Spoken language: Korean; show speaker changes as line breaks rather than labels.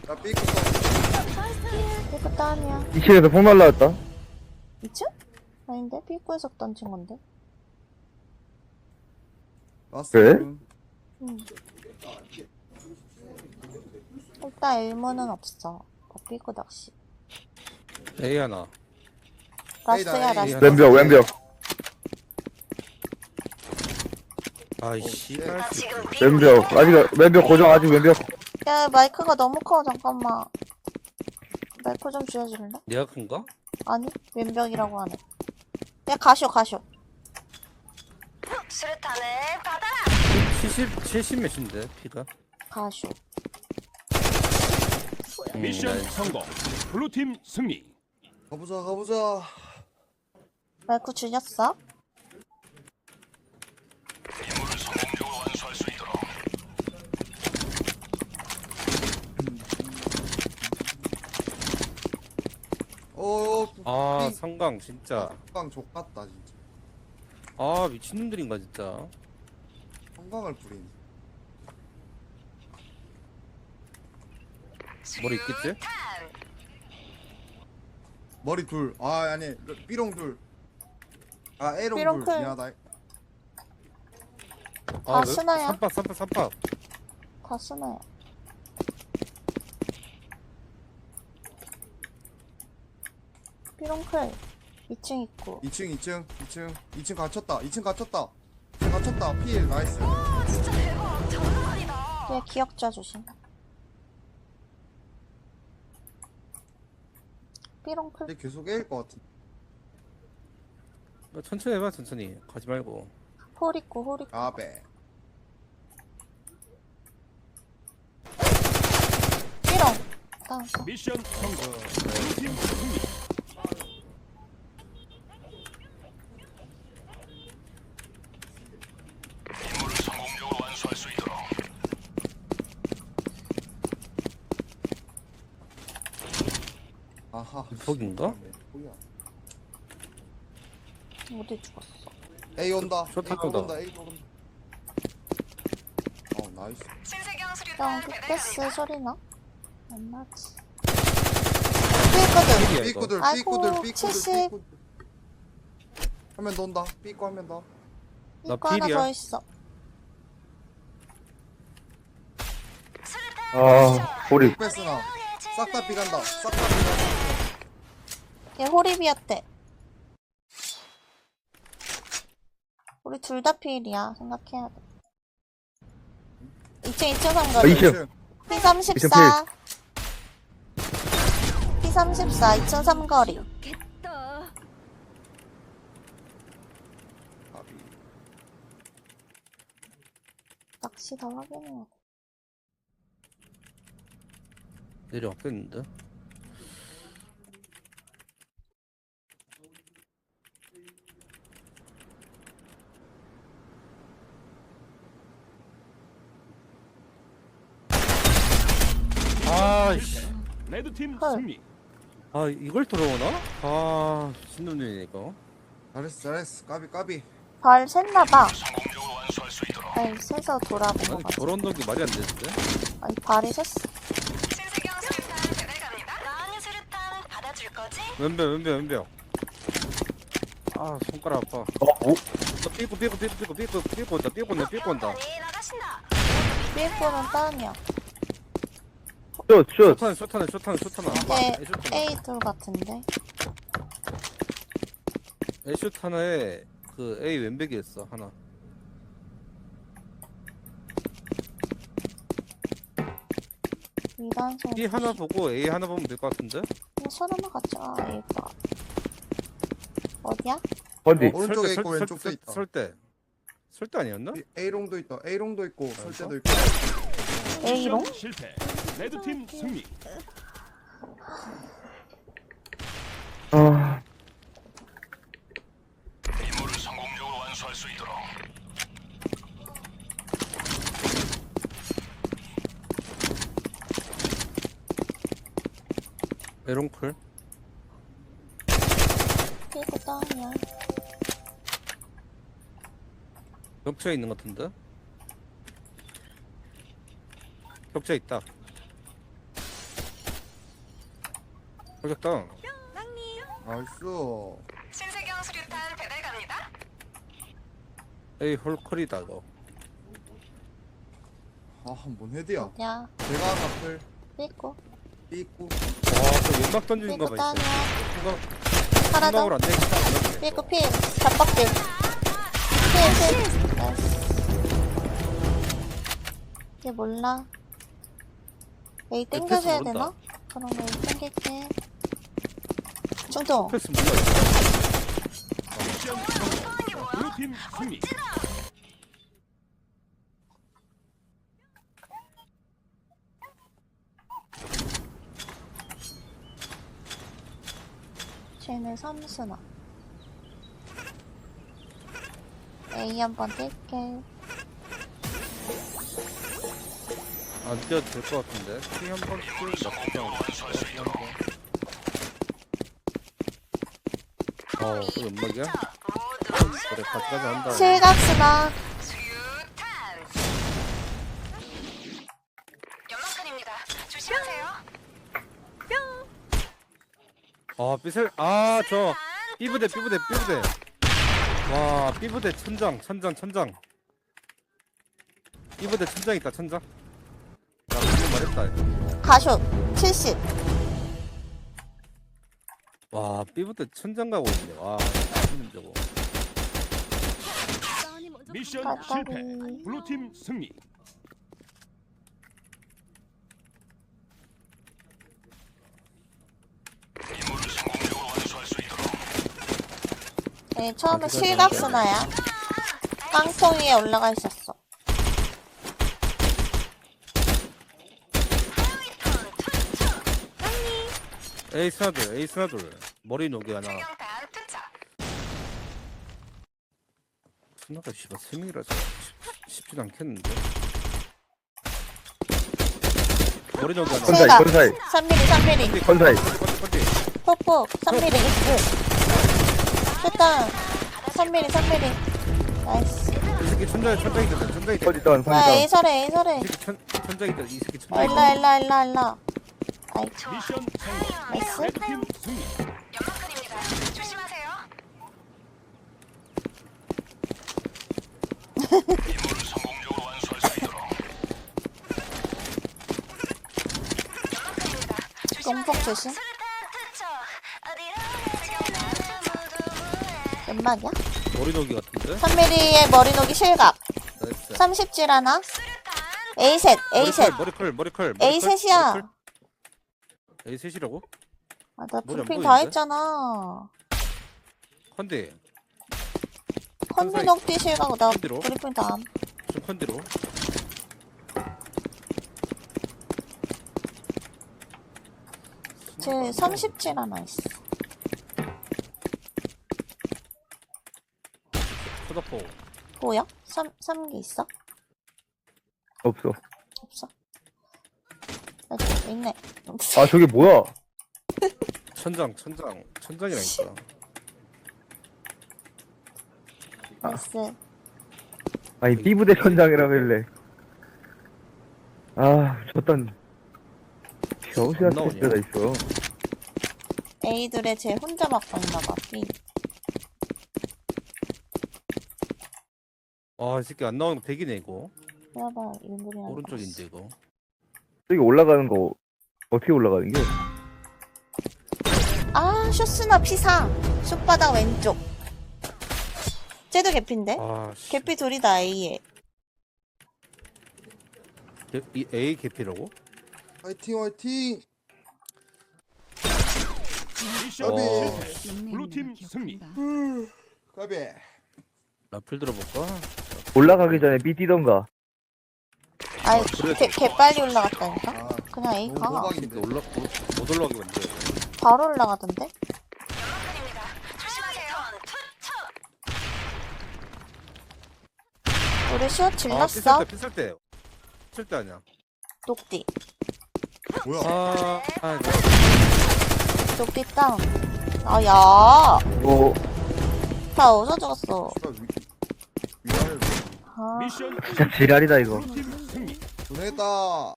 나 삐꾸 써.
삐꾸 다운이야.
2층에서 폭 날라왔다.
2층? 아닌데? 삐꾸에서 던진 건데?
왔어.
그래?
응. 일단 일문은 없어. 삐꾸 낚시.
A 하나.
라스야,
에이,
라스.
에이.
왼벽.
아이씨.
왼벽. 아직, 왼벽 고정, 아직 왼벽.
야, 마이크가 너무 커. 잠깐만. 마이크 좀 줄여줄래?
내가 큰가?
아니, 왼벽이라고 하네. 야, 가쇼.
수류탄을 받아라.
70 몇인데 피가?
가쇼.
미션 성공. 블루팀 승리.
가보자.
마이크 줄였어?
아 성강 진짜.
성광 족같다 진짜.
아 미친놈들인가 진짜.
성광을 부린.
머리 있겠지?
머리 둘. 아 아니 삐롱 둘. 아 A롱
삐롱
둘.
클.
미안하다.
아, 스나야?
3파.
다 쓰나요? 삐롱클 2층 있고
2층 갇혔다. 2층 갇혔다. 필 나이스.
진짜 대박. 장난 아니다.
뒤에 기억자 조심. 삐롱클
근데 계속 A일 것 같은.
천천히 해봐 천천히. 가지 말고.
홀 있고
아베.
삐롱 다운.
미션 성공. 블루팀 승리.
아하.
거긴가?
뭐야?
어디 죽었어?
A 온다.
좋다,
A
좋다.
온다. A 온다. 나이스.
신세경
형
수류탄
빅베스
배달갑니다.
소리나? 안 나지. 삐거든.
이거.
삐꾸들.
아이고, 70.
한명 더 온다. 삐꾸 한 명 더.
나
이거 하나
필이야.
더 있어.
아, 우리.
삐스나. 싹 다 삐간다. 싹 다 삐간다.
얘 호리비였대. 우리 둘 다 필이야. 생각해야 돼. 2층 상거리.
2층.
P34. P34 2층 삼거리.
겠다.
낚시 더 확인해야 돼.
내려왔겠는데? 아이씨.
레드팀
헐.
승리.
아 이걸 들어오나? 아 신놈들이네 이거.
잘했어. 까비.
발 샜나봐. 발 세서 돌아본 거
아니
같아.
저런 덕이 말이 안 되는데?
아니 발이 샜어.
신세경 수류탄 배달갑니다. 나은이 수류탄 받아줄 거지?
왼벽. 아 손가락 아파.
오?
나 삐고 온다.
수류탄이 나가신다.
삐꾸는 다운이야.
슛.
쇼탄.
얘 A2 같은데.
에슛 하나에 그 A 왼백이었어 하나.
이단성.
B 하나 보고 A 하나 보면 될 것 같은데?
서른아 같이. 아, A가. 어디야?
어디?
오른쪽에 있고 왼쪽도 있다.
설대 아니었나?
A롱도 있다. A롱도 있고 설대도 있고.
A롱?
미션 실패. 레드팀 승리.
아,
에롱클.
삐꾸 다운이야.
격차에 있는 것 같은데? 격차 있다. 저격당.
나이스.
신세경 수류탄 배달 갑니다.
에이 홀컬이다 너.
아, 한번 헤드야.
어디야?
제가 앞을
삐고.
삐고.
와그 연막 던지는
삐고
거봐
따냐?
이제.
하나 더.
생각으로 안 되겠다.
삐고 필. 잡박필. 필. 나이스. 얘 몰라. A 땡겨줘야
모른다.
되나? 그럼 A 땡길게. 중통.
패스 몰라.
미션 성공. 블루팀 승리.
쟤는 삼순아. A 한번 뛸게.
안 뛰어도 될 것 같은데. 피 한번 뛰어 나쁘지 않아. 또 연막이야? 그래 같이까지 한다.
실각순아.
수류탄. 연막탄입니다. 조심하세요.
아 삐슬 아저 삐부대 와 삐부대 천장 삐부대 천장 있다 천장. 나 방금 말했다.
가쇼. 70.
와 삐부대 천장 가고 있네. 와 힘든 저거.
미션
까까리.
실패. 블루팀 승리.
네, 처음에 실각순아야. 깡통 위에 올라가 있었어.
에이스 하나 둘 머리 녹이 하나.
세경탄 투척.
스나가 씨발 3명이라서 쉽진 않겠는데. 머리 녹이 하나.
실각.
건사이
3mm.
건사이
컨디.
폭폭. 3mm. 일단 3mm. 나이스.
이 새끼 천장에 있다.
어디다
와, A 설해.
이 새끼 천장에 있다. 이 새끼 천장에
일라. 아이,
미션 성공.
나이스.
레드팀 승리.
연막탄입니다. 조심하세요. 연막탄입니다.
똥폭 조심.
수류탄 투척. 어디로
연막이야?
머리 녹이 같은데.
3mm의 머리 녹이 실각.
나이스.
30질 하나. A 셋.
머리컬.
A 셋이야.
A 셋이라고?
아, 나
머리 안
브리핑 다
보이는데?
했잖아.
컨디.
컨디 녹디 실각. 나
컨디로?
브리핑 다 함.
좀 컨디로.
쟤 30질 하나 있어.
소다포.
보여? 3개 있어?
없어.
없어? 아, 있네.
아 저게 뭐야?
천장이라니까.
나이스.
아니 삐부대 천장이라길래. 아 저딴 병신
안
같은
나오냐?
데가 있어.
A들의 쟤 혼자 맞고 있나봐. B.
아, 이 새끼 안 나오는 거 대기네 이거.
봐봐, 일본이랑.
오른쪽인데 이거.
저기 올라가는 거 어떻게 올라가는 게?
아, 쇼스나 P4. 숏바닥 왼쪽. 쟤도 개피인데?
아, 씨.
개피 둘이다, A에.
이 A 개피라고?
화이팅.
미션
어.
실패. 블루팀 승리.
까비.
라플 들어볼까?
올라가기 전에 삐 뛰던가.
아이,
그래.
개 빨리 올라갔다니까?
아,
그냥 A
너무
가.
호박인데.
못 올라가게 만들어.
바로 올라가던데?
연막탄입니다. 조심하세요. 투척.
우리 슛 질렀어?
pis을 때 아니야.
녹디.
뭐야?
이거.
녹디 다운. 아, 야.
뭐
다 어디서 죽었어?
씨발, 위아래로.
아.
미션
진짜 지랄이다 이거.
블루팀 승리.
보냈다.